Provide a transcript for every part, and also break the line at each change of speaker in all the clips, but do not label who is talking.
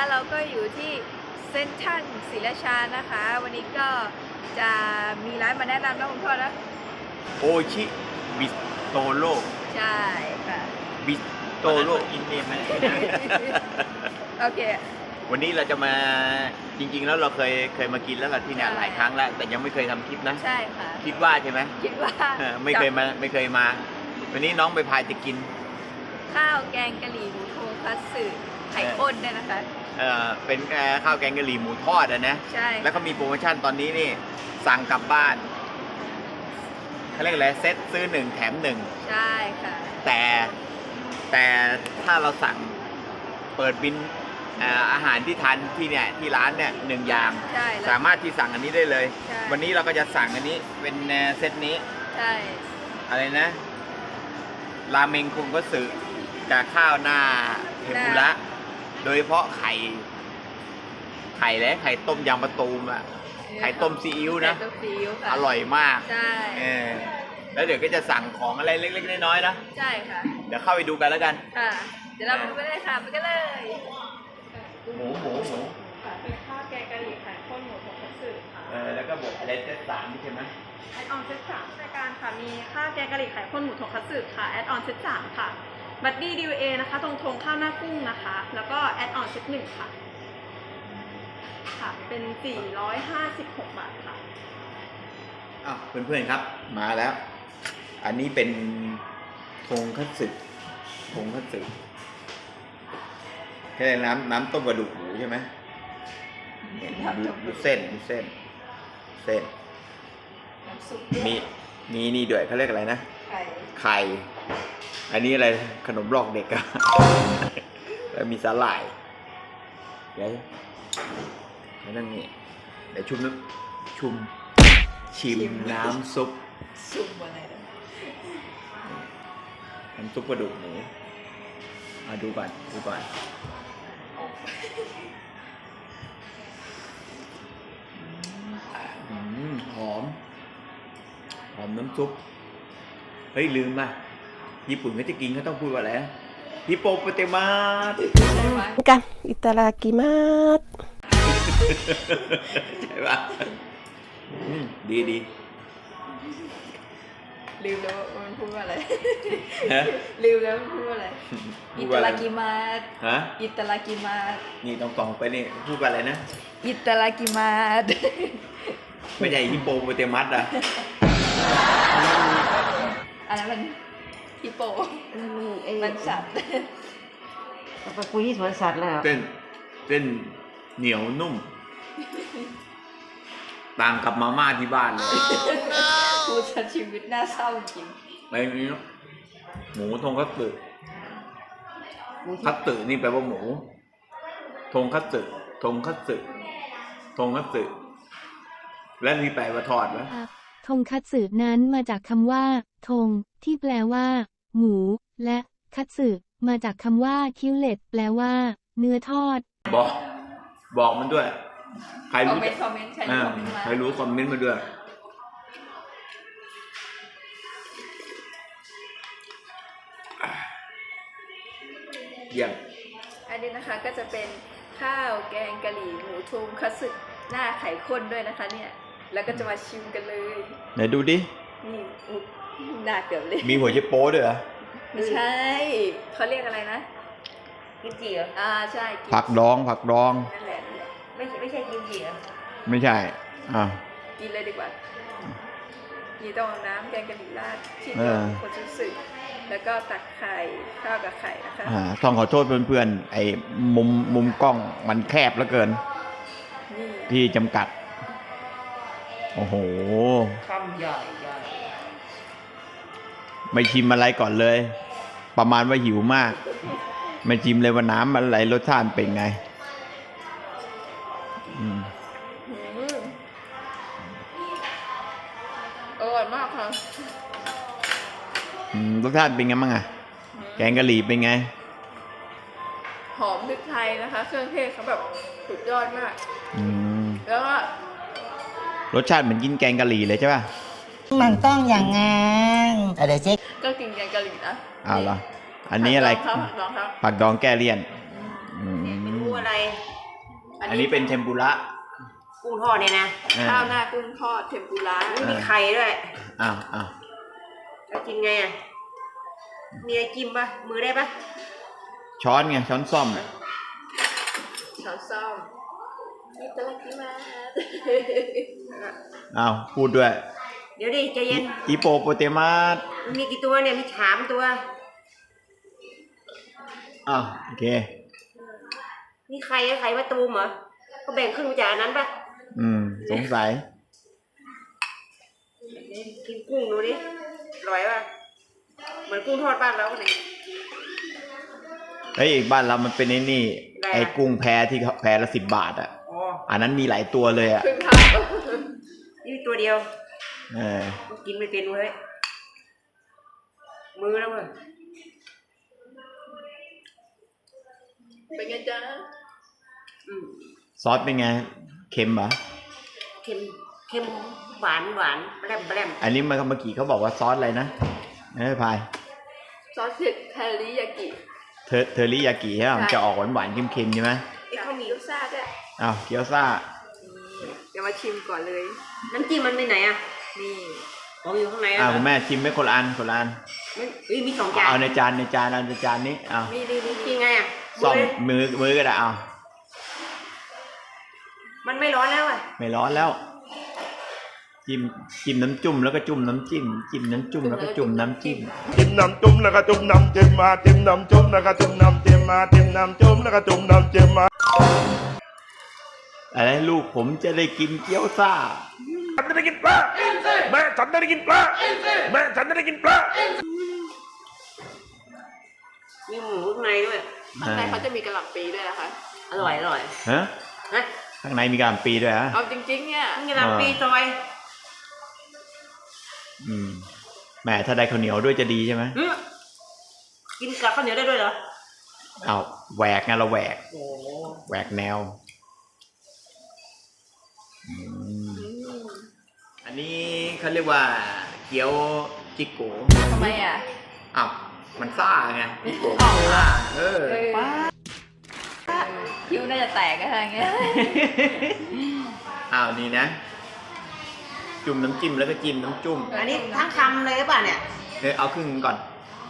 เราก็อยู่ที่เซ็นทรัลศรีราชานะคะวันนี้ก็จะมีร้านมาแนะนำนะคุณพ่อนะ
โอชิบิโตโร่
ใช่ค่ะ
บิโตโร่กินเองไหม
โอเค
วันนี้เราจะมาจริงๆแล้วเราเคยมากินแล้วล่ะที่เนี่ยหลายครั้งแล้วแต่ยังไม่เคยทำคลิปนะ
ใช่ค่ะ
คิดว่าใช่ไหม
คิดว่า
ไม่เคยมาวันนี้น้องไปพายจะกิน
ข้าวแกงกะหรี่หมูโทคัตสึไข่ข้นเนี่ยนะคะ
เป็นข้าวแกงกะหรี่หมูทอดนะ
ใช่
แล้วก็มีโปรโมชั่นตอนนี้นี่สั่งกลับบ้านเขาเรียกอะไรเซ็ตซื้อ1แถม1
ใช่ค่ะ
แต่ถ้าเราสั่งเปิดบินอาหารที่ทานที่เนี่ยที่ร้านเนี่ย1อย่างสามารถที่สั่งอันนี้ได้เลยวันนี้เราก็จะสั่งอันนี้เป็นเซตนี้
ใช่
อะไรนะราเมงคุงก็สึกับข้าวหน้าเทมปุระโดยเฉพาะไข่และไข่ต้มยำมะตูมอะไข่ต้มซีอิ๊วนะอร่อยมาก
ใช่
แล้วเดี๋ยวก็จะสั่งของอะไรเล็กๆน้อยๆนะ
ใช่ค่ะ
เดี๋ยวเข้าไปดูกันแล้วกัน
ค่ะเดี๋ยวเราไปดูกันเลยค่ะไปกันเลย
หมู
เป็นข้าวแกงกะหรี่ไข่ข้นหมูทงคัตสึค่ะ
แล้วก็บวกอะไรเซต3ใช่ไหม
แอดออนเซต3รายการค่ะมีข้าวแกงกะหรี่ไข่ข้นหมูทงคัตสึค่ะแอดออนเซต3ค่ะบัดดี้ดีเอนะคะตรงทงข้าวหน้ากุ้งนะคะแล้วก็แอดออนเซต1ค่ะค่ะเป็น456 บาทค่ะ
เพื่อนๆครับมาแล้วอันนี้เป็นทงคัตสึแค่น้ำต้มกระดูกหมูใช่ไหมดูเส้นมีนี่ด้วยเขาเรียกอะไรนะไข่อันนี้อะไรขนมลอกเด็กอะแล้วมีสาหร่ายเดี๋ยวนั่นนี่เดี๋ยวชิมน้ำซุป
อะไร
น้ำซุปกระดูกหมูมาดูก่อนหอมน้ำซุปเฮ้ยลืมป่ะญี่ปุ่นเขาจะกินเขาต้องพูดว่าอะไรฮิปโปโปเตมัส
กันอิตาลีกิมัส
ใช่ป่ะดี
ลืมแล้วมันพูดว่าอะไรลืมแล้วมันพูดว่าอะไรอิตาลีกิมัสอิตาลีกิมัส
นี่ต้องไปนี่พูดว่าอะไรนะ
อิตาลีกิมัส
ไม่ใช่ฮิปโปโปเตมัสอะ
อันนั้นมันฮิปโปมันสัตว์
ไปคุยที่สวนสัตว์แล้ว
เส้นเหนียวนุ่มต่างกับมาม่าที่บ้านเลย
พูดชีวิตน่าเศร้าจริง
อะไรนี้หมูทงคัตสึนี่แปลว่าหมูทงคัตสึและนี่แปลว่าทอดไหม
ทงคัตสึนั้นมาจากคำว่าทงที่แปลว่าหมูและคัตสึมาจากคำว่าคิวเลตแปลว่าเนื้อทอด
บอกมันด้วยใครรู้
คอมเมนต์
ใครรู้คอมเมนต์มาด้วยอย่าง
อันนี้นะคะก็จะเป็นข้าวแกงกะหรี่หมูทงคัตสึหน้าไข่ข้นด้วยนะคะเนี่ยแล้วก็จะมาชิมกันเลย
ไหนดูดิ
นี่หน้าเกือบเลย
มีหัวเชโป้ด้วยเหรอ
ไม่ใช่เขาเรียกอะไรนะกิมจิเหรอใช่
ผักดอง
นั่นแหละไม่ใช่กิมจิเหรอ
ไม่ใช่
กินเลยดีกว่านี่ต้องน้ำแกงกะหรี่ราดชิ้นเดียวคนชุดสึแล้วก็ตักไข่ข้าวกับไข่นะคะ
ต้องขอโทษเพื่อนๆไอ้มุมกล้องมันแคบเหลือเกินที่จำกัดโอ้โห
คำใหญ่
ไม่ชิมอะไรก่อนเลยประมาณว่าหิวมากไม่ชิมเลยว่าน้ำอะไรรสชาติเป็นไง
อร่อยมากค่ะ
รสชาติเป็นไงบ้างอะแกงกะหรี่เป็นไง
หอมพริกไทยนะคะเครื่องเทศเขาแบบสุดยอดมากแล้วก็
รสชาติเหมือนกินแกงกะหรี่เลยใช่ป่ะ
มันต้องอย่างงั้นอะไรเจ๊
ก็กินแกงกะหรี่นะ
เอาเหรออันนี้อะไรผักดองแก้เลี่ยน
ไม่รู้อะไร
อันนี้เป็นเทมปุระ
กุ้งทอดเนี่ยนะ
ข้าวหน้ากุ้งทอดเทมปุระ
ไม่มีไข่ด้วย
อ้าว
จะกินไงอ่ะมีอะไรจิ้มปะมือได้ปะ
ช้อนไง ช้อนซ่อม
ช้อนส้อมอิตาลีมา
อ้าว พูดด้วย
เดี๋ยวดิใจเย็น
อีโปโปเตมัส
มีกี่ตัวเนี่ยมี3 ตัว
อ้าว โอเค
นี่ไข่มะตูมเหรอก็แบ่งครึ่งมาจากอันนั้นปะ
สงสัย
กินกุ้งดูดิอร่อยปะเหมือนกุ้งทอดบ้านเราเลย
เฮ้ยอีกบ้านเรามันเป็นไอ้นี่
อะไรอะ
ไอ้กุ้งแพที่เขาแพละ10 บาทอ่ะ
อ๋อ
อันนั้นมีหลายตัวเลยอ่ะ
ครึ่งทาง
นี่ตัวเดียว
เออ
กินไม่เป็นเว้ยมือแล้วเว้ย
เป็นไงจ๊ะ
ซอสเป็นไง เค็มเหรอ
เค็มหวานแบรม
อันนี้เมื่อกี้เขาบอกว่าซอสอะไรนะพาย
ซอสเผ็ดเทอริยากิ
เทอริยากิใช่ไหมมันจะออกหวานๆเค็มๆใช่ไหม
ไอ้ข้าวหมี่
เกี๊ยวซ่าด้วย
อ้าวเกี๊ยวซ่า
เดี๋ยวมาชิมก่อนเลย
น้ำจิ้มมันไปไหนอ่ะ
นี่
ของอยู่ข้างใน
อ้าว
เหร
คุณแม่ชิมไม่คนละอันคนละอัน
มี2 จาน
เอาในจานเอาในจานนี้เอา
นี่
กินไงอ่ะ
ซ่อมมือก็ได้เอา
มันไม่ร้อนแล้วอ่ะ
ไม่ร้อนแล้ว จิ้มน้ำจุ่มแล้วก็จุ่มน้ำจิ้มจิ้มน้ำจุ่มแล้วก็จุ่มน้ำจิ้ม
จิ้มน้ำจุ่มแล้วก็จุ่มน้ำเจมมาจิ้มน้ำจุ่มแล้วก็จุ่มน้ำเจมมาจิ้มน้ำจุ่มแล้วก็จุ่มน้ำเจมมา
อะไรลูกผมจะได้กินเกี๊ยวซ่า
ฉันจะได้กินปลาแม่ฉันจะได้กินปลาแม่ฉันจะได้กินปลา
มีหมูข้างในด้วย
ข้างในเขาจะมีกระหล่ำปีด้วยนะคะ
อร่อย
ฮะ
นะ
ข้างในมีกระหล่ำปีด้วยฮะ
เอาจริงๆเนี่ย
นี่กำลังปีซอย
แหมถ้าได้ข้าวเหนียวด้วยจะดีใช่ไหม
กินกับข้าวเหนียวได้ด้วยเหรอ
เอาแหวกไงเราแหวก
โอ้
แหวกแนว อันนี้เขาเรียกว่าเกี๊ยวจิโกะ
ทำไมอ่ะ
อ้าวมันซ่าไงจิโกะ
อ๋อ
ซ่า
ว้าคิ้วน่าจะแตกอะไรเงี้ย
อ้าวนี่นะ จุ่มน้ำจิ้มแล้วก็จิ้มน้ำจุ่ม
อันนี้ทั้งคำเลยหรือเปล่าเนี่ย
เอาครึ่งก่อน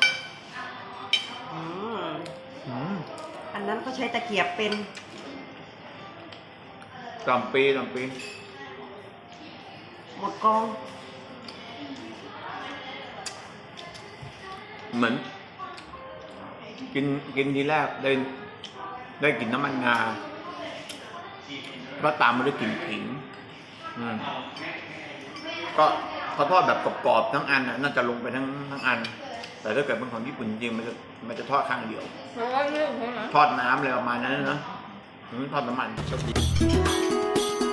อันนั้นเขาใช้ตะเกียบเป็น
กล่ำปีกล่ำปี
หมดกอง
เหมือน กินทีแรกได้กลิ่นน้ำมันงาก็ตามมาด้วยกลิ่นขิงก็เขาทอดแบบกรอบๆทั้งอันน่าจะลงไปทั้งอัน แต่ถ้าเกิดเป็นของญี่ปุ่นจริงมันจะทอดข้างเดียว ทอดน้ำเลยประมาณนั้นนะทอดน้ำมันชอบดี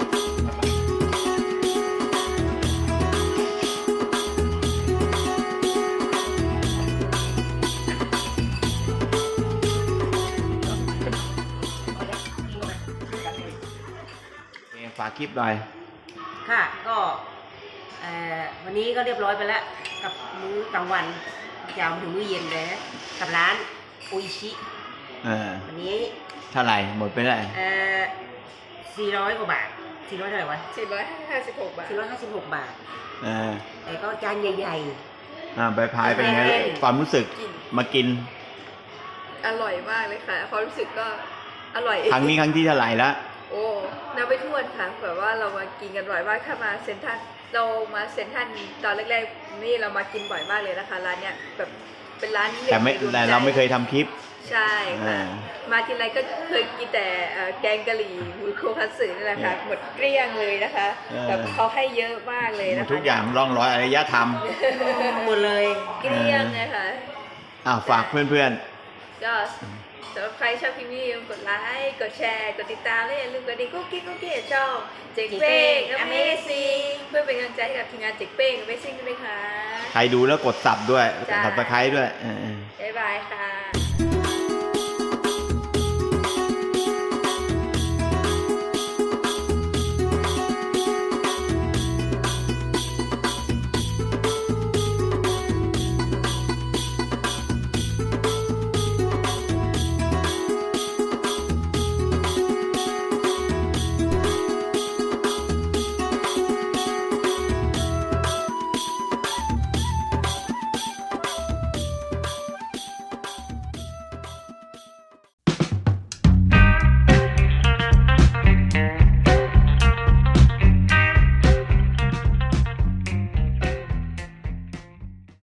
ฝากคลิปหน่อย
ค่ะก็วันนี้ก็เรียบร้อยไปแล้วกับมื้อกลางวันยาวถึงมื้อเย็นเลยนะกับร้านโออิชิวันนี้
เท่าไหร่หมดไปได้
400 กว่าบาท400เท่าไหร่วะ
456 บาท
456 บาท แต่ก็จานใหญ่
ไปพายเป็นไงความรู้สึกมากิน
อร่อยมากเลยค่ะความรู้สึกก็อร่อย
ครั้งนี้ครั้งที่เท่าไหร่ละ
โอ้นับไปทั่วค่ะแบบว่าเรามากินกันบ่อยมากถ้ามาเซ็นทรัลเรามาเซ็นทรัลตอนแรกๆนี่เรามากินบ่อยมากเลยนะคะร้านเนี้ยแบบเป็นร้าน
แต่เราไม่เคยทำคลิป
ใช่ค่ะมาทีไรก็เคยกินแต่แกงกะหรี่หมูโคคัตสึนี่แหละค่ะหมดเกลี้ยงเลยนะคะแบบเขาให้เยอะมากเลยนะคะ
ทุกอย่างร่องรอยอารยธรรม
หมดเลย
เกลี้ยงนะคะ
ฝากเพื่อน
ก็สำหรับใครชอบคลิปนี้อย่าลืมกดไลค์กดแชร์กดติดตามและอย่าลืมกดดิ่งกุ๊กกิ๊กช่องเจ๋งเป้ง Amazing เพื่อเป็นกำลังใจให้กับทีมงานเจ๋งเป้ง Amazing ด้วยนะคะ
ๆ ใครดูแล้วกดสับด้วย
จ้า
สับตะไคร้ด้วย
บ๊ายบายค่ะ